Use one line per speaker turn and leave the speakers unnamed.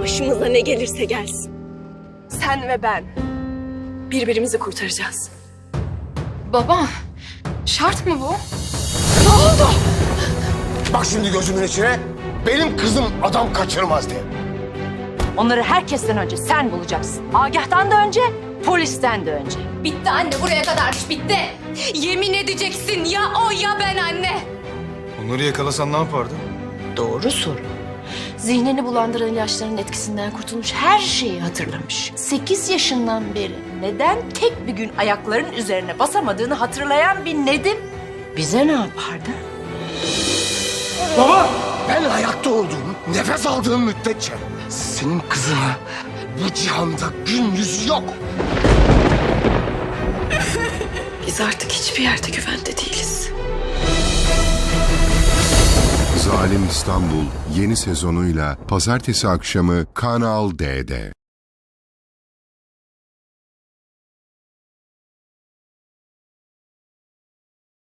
Başımıza ne gelirse gelsin. Sen ve ben birbirimizi kurtaracağız.
Baba, şart mı bu?
Ne oldu?
Bak şimdi gözümün içine. Benim kızım adam kaçırmaz diye.
Onları herkesten önce sen bulacaksın. Agah'tan da önce, polisten de önce.
Bitti anne, buraya kadarmış, bitti. Yemin edeceksin ya o ya ben anne.
Onları yakalasan ne yapardın?
Doğru soru. Zihnini bulandıran ilaçların etkisinden kurtulmuş, her şeyi hatırlamış. 8 yaşından beri neden tek bir gün ayaklarının üzerine basamadığını hatırlayan bir Nedim bize ne yapardı?
Baba! Ben hayatta olduğum, nefes aldığım müddetçe senin kızına bu cihanda gün yüzü yok.
Biz artık hiçbir yerde güvende değiliz.
Zalim İstanbul yeni sezonuyla pazartesi akşamı Kanal D'de.